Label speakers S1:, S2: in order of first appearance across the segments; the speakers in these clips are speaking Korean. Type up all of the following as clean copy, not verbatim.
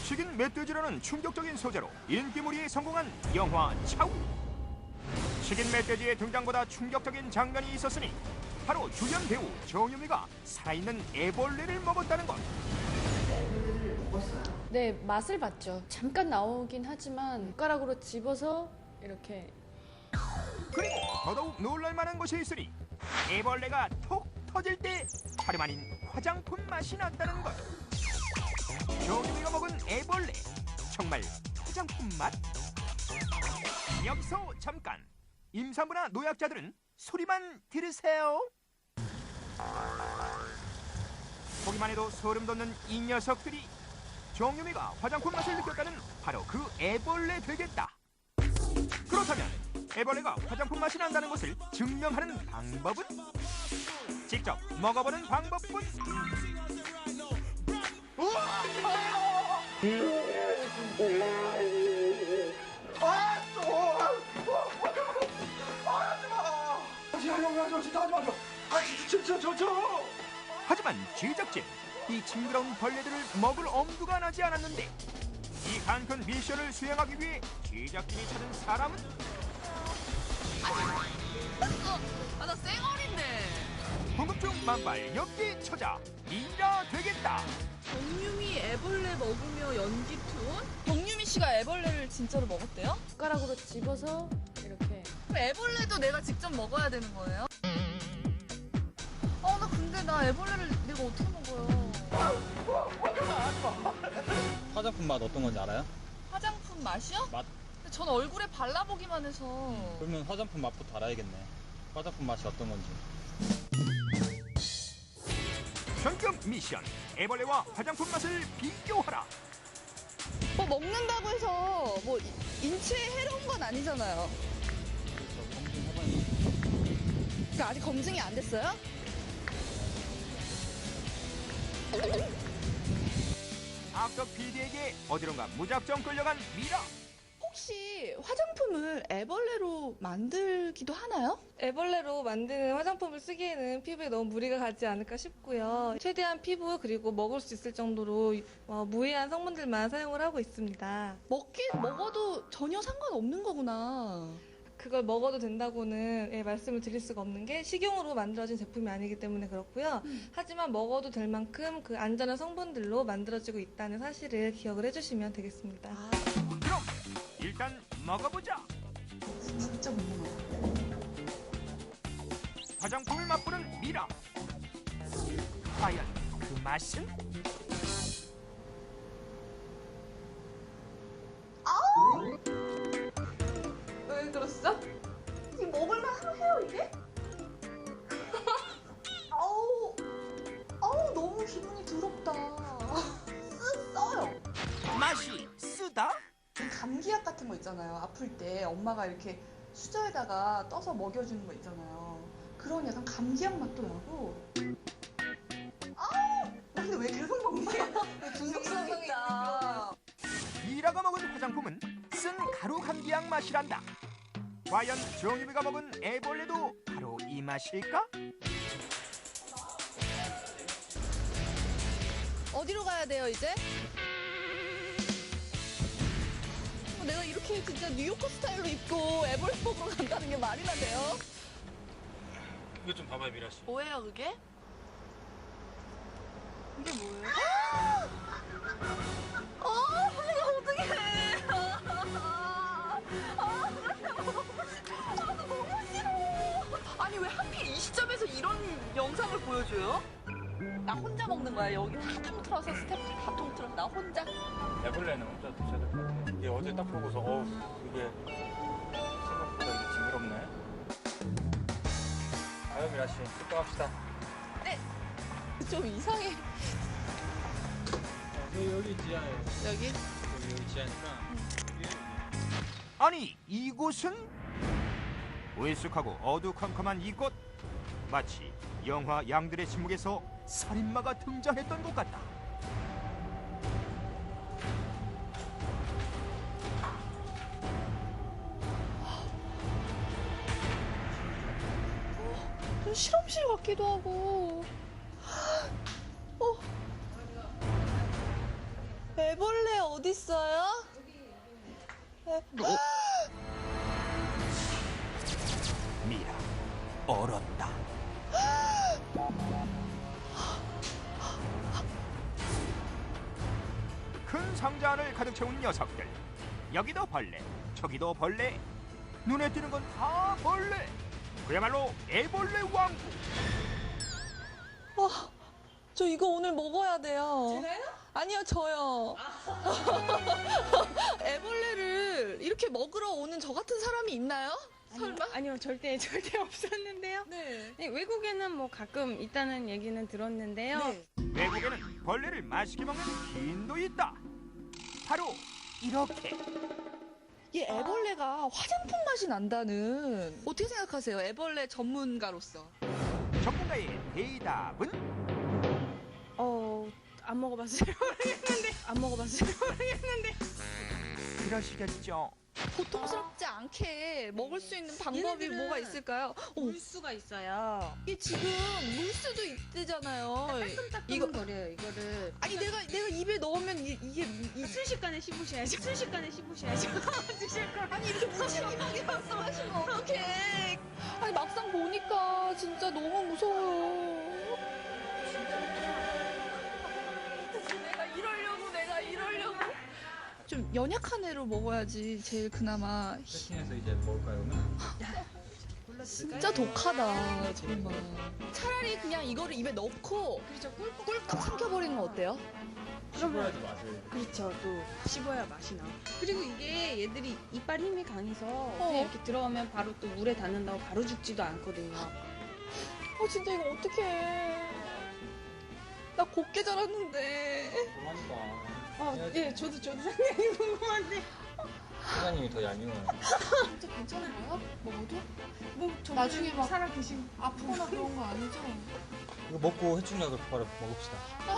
S1: 식인 멧돼지라는 충격적인 소재로 인기몰이에 성공한 영화 차우. 식인 멧돼지의 등장보다 충격적인 장면이 있었으니 바로 주연 배우 정유미가 살아있는 애벌레를 먹었다는 것.
S2: 네, 맛을 봤죠. 잠깐 나오긴 하지만 젓가락으로 집어서 이렇게.
S1: 그리고 더더욱 놀랄만한 것이 있으니 애벌레가 톡 터질 때 다름 아닌 화장품 맛이 났다는 것. 정유미가 먹은 애벌레, 정말 화장품 맛? 여기서 잠깐, 임산부나 노약자들은 소리만 들으세요. 보기만 해도 소름 돋는 이 녀석들이 정유미가 화장품 맛을 느꼈다는 바로 그 애벌레 되겠다. 그렇다면 애벌레가 화장품 맛이 난다는 것을 증명하는 방법은? 직접 먹어보는 방법뿐. 하지만 제작진, 이 징그러운 벌레들을 먹을 엄두가 나지 않았는데 이 한큰 미션을 수행하기 위해 제작진이 찾은 사람은?
S3: 나 쌩얼인데.
S1: 궁금증 만발 엽기 처자 미라 되겠다.
S3: 정유미 애벌레 먹으며 연기 투혼? 정유미 씨가 애벌레를 진짜로 먹었대요?
S2: 젓가락으로 집어서 이렇게.
S3: 그럼 애벌레도 내가 직접 먹어야 되는 거예요? 나 근데 나 애벌레를 내가 어떻게 먹어요?
S4: 화장품 맛 어떤 건지 알아요?
S3: 화장품 맛이요?
S4: 맛?
S3: 근데 전 얼굴에 발라보기만 해서.
S4: 그러면 화장품 맛부터 알아야겠네. 화장품 맛이 어떤 건지.
S1: 현금 미션, 애벌레와 화장품 맛을 비교하라.
S3: 뭐 먹는다고 해서 뭐 인체에 해로운 건 아니잖아요. 그러니까 아직 검증이 안 됐어요?
S1: 악덕 PD에게 어디론가 무작정 끌려간 미라.
S3: 혹시 화장품을 애벌레로 만들기도 하나요?
S5: 애벌레로 만드는 화장품을 쓰기에는 피부에 너무 무리가 가지 않을까 싶고요. 최대한 피부 그리고 먹을 수 있을 정도로 무해한 성분들만 사용을 하고 있습니다.
S3: 먹어도 전혀 상관없는 거구나.
S5: 그걸 먹어도 된다고는 말씀을 드릴 수가 없는 게 식용으로 만들어진 제품이 아니기 때문에 그렇고요. 하지만 먹어도 될 만큼 그 안전한 성분들로 만들어지고 있다는 사실을 기억을 해주시면 되겠습니다.
S1: 그럼 일단 먹어보자.
S3: 진짜 못 먹어.
S1: 화장품을 맛보는 미라. 과연 그 맛은?
S3: 왜 그러시죠? 지금 먹을만 해요 이게? 아우 너무 기분이 더럽다. 써요.
S1: 맛이 쓰다?
S3: 감기약 같은 거 있잖아요. 아플 때 엄마가 이렇게 수저에다가 떠서 먹여주는 거 있잖아요. 그런 약간 감기약 맛도 나고. 근데 왜 계속 먹니? 중독성이다.
S1: 미라가 먹은 화장품은 쓴 가루 감기약 맛이란다. 과연 정유미가 먹은 애벌레도 바로 이 맛일까?
S3: 어디로 가야 돼요 이제? 내가 이렇게 진짜 뉴요커 스타일로 입고 애벌레 먹으러 간다는 게 말이나 돼요?
S4: 이거 좀 봐봐요, 미라 씨.
S3: 뭐예요 그게? 이게 뭐예요? 내가 어떡해. 너무 싫어. 아니 왜 하필 이 시점에서 이런 영상을 보여줘요? 나 혼자 먹는 거야. 여기 다 통틀어서 스태프들 다 통틀어서 나 혼자.
S4: 애벌레는 혼자 드셔야 될 것 같아요. 이게 어제 딱 보고서 이게 생각보다 이게 징그럽네. 아유, 미라 씨, 습격합시다.
S3: 네. 좀 이상해.
S4: 여기 지하예요.
S3: 여기?
S4: 여기 지하니까.
S1: 아니 이곳은? 으쓱하고 어두컴컴한 이곳, 마치 영화 양들의 침묵에서 살인마가 등장했던 것 같다.
S3: 좀 실험실 같기도 하고. 애벌레 어딨어요?
S1: 미라 얼었다. 큰 상자 안을 가득 채운 녀석들. 여기도 벌레, 저기도 벌레. 눈에 띄는 건 다 벌레. 그야말로 애벌레 왕국.
S3: 저 이거 오늘 먹어야 돼요. 제가요? 아니요, 저요. 애벌레를 이렇게 먹으러 오는 저 같은 사람이 있나요? 설마?
S6: 아니요, 절대 없었는데요.
S3: 네.
S6: 네, 외국에는 뭐 가끔 있다는 얘기는 들었는데요.
S3: 네.
S1: 외국에는 벌레를 맛있게 먹는 기인도 있다. 바로 이렇게.
S3: 이 애벌레가 화장품 맛이 난다는 어떻게 생각하세요? 애벌레 전문가로서.
S1: 전문가의 대답은
S6: 안 먹어봤어요. 모르겠는데.
S1: 그러시겠죠.
S3: 고통스럽지 않게 먹을 수 있는 방법이
S6: 얘네들은
S3: 뭐가 있을까요?
S6: 물 수가 있어요.
S3: 이게 지금 물수도 있대잖아요. 이거
S6: 거려요, 이거를.
S3: 아니 내가 입에 넣으면 이게
S6: 순식간에 씹으셔야죠. 드실 거.
S3: 아니 이렇게 무책임하게 말씀하시면 어떡해. 아니 막상 보니까 진짜 너무 무서워요. 내가 이러려고. 좀 연약한 애로 먹어야지 제일 그나마.
S4: 세팅해서 이제 먹을까요, 그러면?
S3: 진짜 독하다 정말. 차라리 그냥 이거를 입에 넣고
S6: 그렇죠.
S3: 꿀꺽 삼켜버리는 건 어때요?
S4: 씹어야지 맛을.
S6: 그렇죠. 또 씹어야 맛이 나. 그리고 이게 얘들이 이빨 힘이 강해서 그냥 이렇게 들어가면 바로 또 물에 닿는다고 바로 죽지도 않거든요.
S3: 진짜 이거 어떡해. 나 곱게 자랐는데.
S4: 그러니까.
S6: 예, 저도 상당히 궁금한데.
S4: 사장님이 더 얄미워요.
S3: 진짜 괜찮은가요? 먹어도?
S6: 뭐
S3: 나중에 막
S6: 살아 계신
S3: 아프거나 그런 거 아니죠?
S4: 이거 먹고 해충약을 바로 먹읍시다.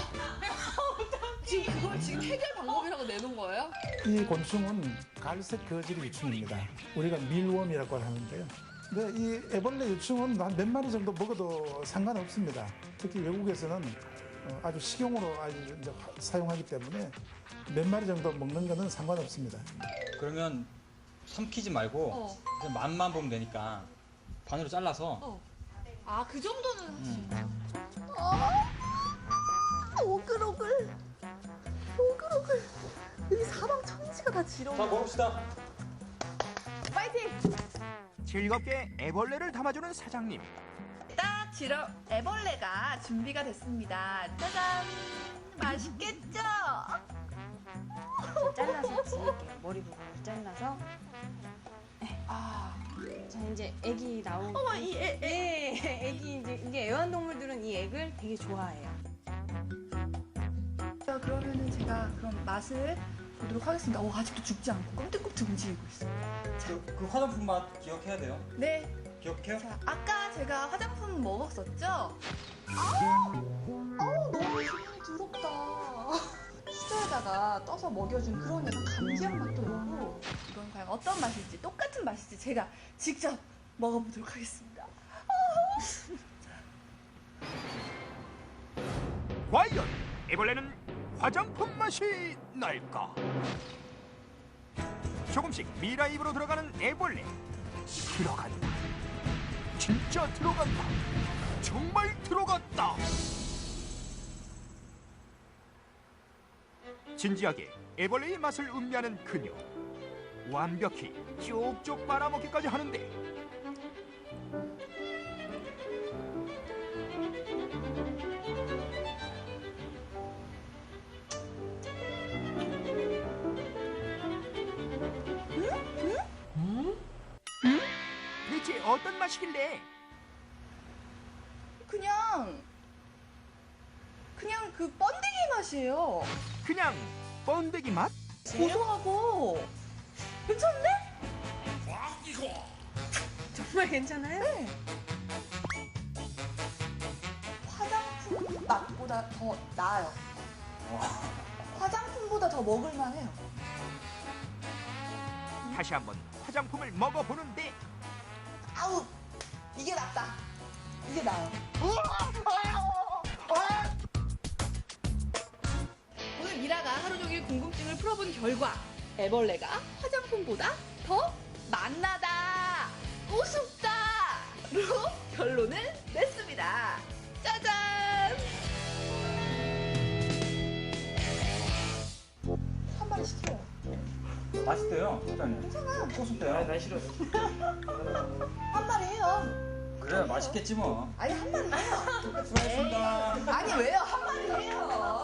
S3: 지금 해결 방법이라고 내놓은 거예요?
S7: 이 곤충은 갈색 거질 유충입니다. 우리가 밀웜이라고 하는데요. 근데 이 애벌레 유충은 한 몇 마리 정도 먹어도 상관없습니다. 특히 외국에서는 아주 식용으로 아주 이제 사용하기 때문에 몇 마리 정도 먹는 거는 상관없습니다.
S4: 그러면 삼키지 말고 그냥 맛만 보면 되니까 반으로 잘라서.
S3: 그 정도는 하지.
S4: 음.
S3: 오글오글. 여기 사방 천지가 다 지러워.
S4: 자, 먹읍시다.
S3: 파이팅!
S1: 즐겁게 애벌레를 담아주는 사장님.
S3: 딱 지러 애벌레가 준비가 됐습니다. 짜잔! 맛있겠죠?
S6: 잘라서 지을게요. 머리 부분을 잘라서. 자, 이제 애기 나오고.
S3: 어머, 이
S6: 애기 이게 애완동물들은 이 액을 되게 좋아해요.
S3: 그러면은 제가 그럼 맛을 보도록 하겠습니다. 아직도 죽지 않고 꼼짝꼼짝 움직이고 있어요.
S4: 그 화장품 맛 기억해야 돼요.
S3: 네.
S4: 기억해요?
S3: 자, 아까 제가 화장품 먹었었죠? 너무 기분이 더럽다. 수저에다가 떠서 먹여준 그런 약간 감기약 맛도 나고. 이건 과연 어떤 맛일지, 똑같은 맛일지 제가 직접 먹어보도록 하겠습니다.
S1: 과연 애벌레는 화장품 맛이 날까? 조금씩 미라 입으로 들어가는 애벌레. 들어간다. 진짜 들어간다. 정말 들어갔다. 진지하게 애벌레의 맛을 음미하는 그녀. 완벽히 쪽쪽 빨아먹기까지 하는데 대체 어떤 맛이길래?
S3: 그냥 그 번데기 맛이에요.
S1: 그냥 번데기 맛?
S3: 고소하고 괜찮네?
S6: 정말 괜찮아요?
S3: 네. 화장품 맛보다 더 나아요. 화장품보다 더 먹을만해요.
S1: 다시 한번 화장품을 먹어보는데
S3: 아우, 이게 낫다. 이게 나아요. 오늘 미라가 하루 종일 궁금증을 풀어본 결과 애벌레가 화장품보다 더 맛나다, 우습다로 결론을 냈습니다. 짜잔! 한 마리 시켜요.
S4: 맛있대요, 사장님.
S3: 괜찮아.
S4: 고순대요.
S8: 난 싫어.
S3: 한 마리 해요.
S4: 그래, 맛있겠지 뭐.
S3: 아니 한 마리 해요.
S4: 수고하셨습니다.
S3: 아니 왜요? 한 마리 해요.